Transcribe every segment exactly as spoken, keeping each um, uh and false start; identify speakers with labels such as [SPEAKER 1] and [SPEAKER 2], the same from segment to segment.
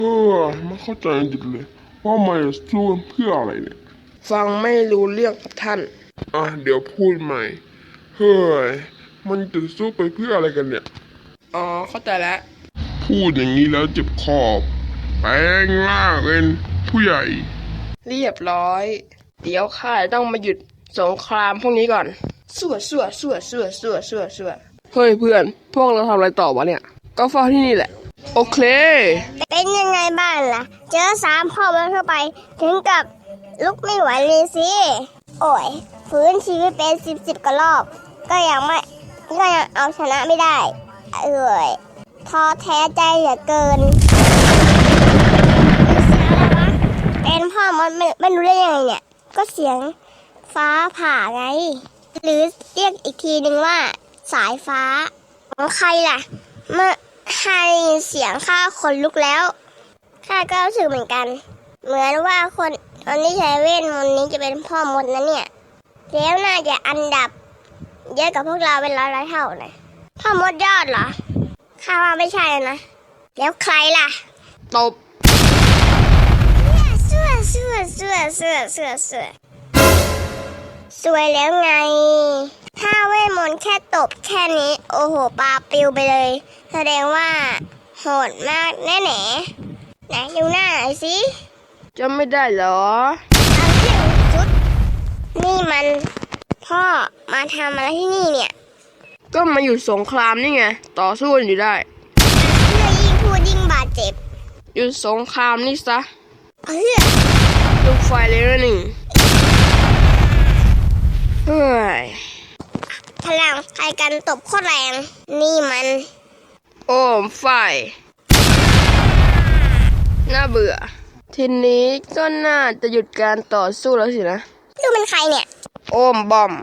[SPEAKER 1] เออไม่เข้าใจจริงเลยว่ามันจะสู้เพื่ออะไรเนี่ย
[SPEAKER 2] ฟังไม่รู้เรื่องครับท่าน
[SPEAKER 1] อ่ะเดี๋ยวพูดใหม่เฮ้ยมันจะสู้ไปเพื่ออะไรกันเนี่ย
[SPEAKER 2] อ๋อเข้าใจแล้ว
[SPEAKER 1] พูดอย่างนี้แล้วเจ็บคอแปลงร่างเป็นผู้ใหญ่
[SPEAKER 2] เรียบร้อยเดี๋ยวข้าต้องมาหยุดสงครามพวกนี้ก่อนสั่วสั่วสั่วสั่วสั่วสั่วสั่วเฮ้ยเพื่อนพวกเราทำอะไรต่อวะเนี่ยก็เฝ้าที่นี่แหละโอเค
[SPEAKER 3] เป็นยังไงบ้างล่ะ เจอสามพ่อมันเข้าไป ถึงกับลุกไม่ไหวเลยสิ โอ้ยฟื้นชีวิตเป็นสิบสิบกว่ารอบ ก็ยังไม่ก็ยังเอาชนะไม่ได้ เอ้ยท้อแท้ใจเหลือเกินเสียงอะไรวะเป็นพ่อมันไม่ไม่รู้ได้ยังไงเนี่ย ก็เสียงฟ้าผ่าไง หรือเรียกอีกทีหนึ่งว่า สายฟ้าของใครล่ะเมื่อให้เสียงข้าขนลุกแล้วข้าก็รู้สึกเหมือนกัน เหมือนว่าคนคนที่ใช้เวทมนต์นี้จะเป็นพ่อมดนะเนี่ยแล้วน่าจะอันดับเยอะกว่าพวกเราเป็นร้อยร้อยเท่านะพ่อมดยอดเหรอข้าว่าไม่ใช่นะแล้วใครล่ะ
[SPEAKER 2] ตบ
[SPEAKER 3] เสื้อเสื้อเสื้อเสื้อเสื้อเสื้อสวยแล้วไงถ้าเวทมนต์แค่ตบแค่นี้โอ้โหปลาปิวไปเลยแสดงว่าโหดมากแน่แน่ไหนดูหน้าหน่อยสิ
[SPEAKER 2] จำไม่ได้เหรอ
[SPEAKER 3] เอาเที่ยงชุดนี่มันพ่อมาทำอะไรที่นี่เนี่ย
[SPEAKER 2] ก็มาหยุดสงครามนี่ไงต่อสู้กันอยู่ได้
[SPEAKER 3] เพื่อยิ่งพูดยิ่งบาดเจ็บ
[SPEAKER 2] หยุดสงครามนี่ซะ
[SPEAKER 3] เพื่อ
[SPEAKER 2] ลูกไฟเลยนะนี่เฮ้ย
[SPEAKER 3] พลังใครกันตบโคตรแรงนี่มัน
[SPEAKER 2] โอมไฟน่าเบื่อทีนี้ก็น่าจะหยุดการต่อสู้แล้วสินะ
[SPEAKER 3] ลูกเป็นใครเนี่ย
[SPEAKER 2] โอมบอม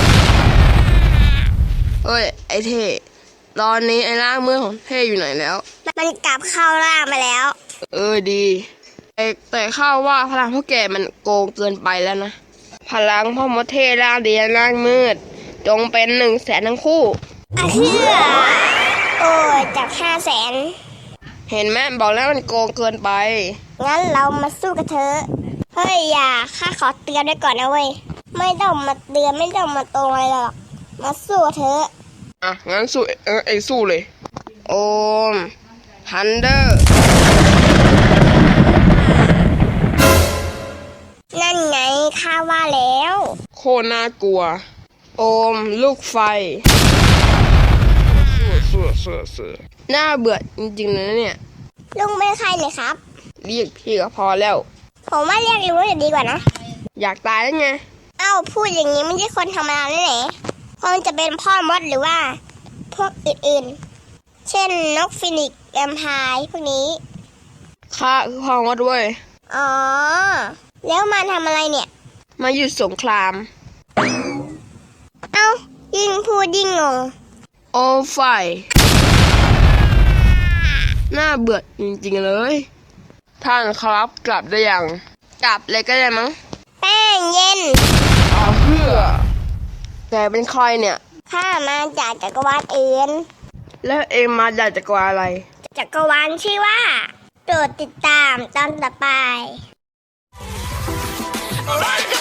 [SPEAKER 2] เฮ้ยไอเท่ตอนนี้ไอร่างมือของเท่อยู่ไหนแล้ว
[SPEAKER 3] มันกลับเข้าร่างไปแล้ว
[SPEAKER 2] เออดีแต่แต่ข้าว่าพลังพวกแกมันโกงเกินไปแล้วนะพลังพ่อมดเท่ร่างดีร่างมืดจงเป็นหนึ่งแสนทั้งคู่
[SPEAKER 3] อ่ะเพื่อโอ้ยจากห้าแสน
[SPEAKER 2] เห็นไหมบอกแล้วมันโกงเกินไป
[SPEAKER 3] งั้นเรามาสู้กันเถอะเฮ้ยอย่าข้าขอเตือนไว้ก่อนนะเว้ยไม่ต้องมาเตือนไม่ต้องมาโตอะไรหรอกมาสู้เถอะ
[SPEAKER 2] อ่ะงั้นสู้เออไอสู้เลยโอมทันเดอร์
[SPEAKER 3] นั่นไงข้าว่าแล้ว
[SPEAKER 2] โคน่ากลัวโอมลูกไฟเสือเสือเสือน่าเบื่อจริงๆนะเนี่ย
[SPEAKER 3] ลุงเป็นใครเนี่ยครับ
[SPEAKER 2] เรียกพี่ก็พอแล้ว
[SPEAKER 3] ผมว่าเรียกลุงจะดีกว่านะ
[SPEAKER 2] อยากตายแล้วไง
[SPEAKER 3] เอ้าพูดอย่างนี้ไม่ใช่คนธรรมดาแน่ไหนคงจะเป็นพ่อมดหรือว่าพวกอื่นๆเช่นนกฟินิกซ์แวมไพร์พวกนี้
[SPEAKER 2] ข้าคือพ่อมดด้วย
[SPEAKER 3] อ๋อแล้วมาทำอะไรเนี่ย
[SPEAKER 2] มาหยุดสงคราม
[SPEAKER 3] เอ้ายิ่งพูดยิ่งงง
[SPEAKER 2] โอไฟน่าเบื่อจริงๆเลยท่านครับกลับได้ยังกลับเลยก็ได้มั้ง
[SPEAKER 3] แป้งเย็น
[SPEAKER 2] เอาเพื่อแกเป็นใครเนี่ย
[SPEAKER 3] ข้ามาจากจักรวาลอื่น
[SPEAKER 2] แล้วเอ็มมาจากจักรวาลอะไร
[SPEAKER 3] จักรวาลชื่อว่าโปรดติดตามตอนต่อไป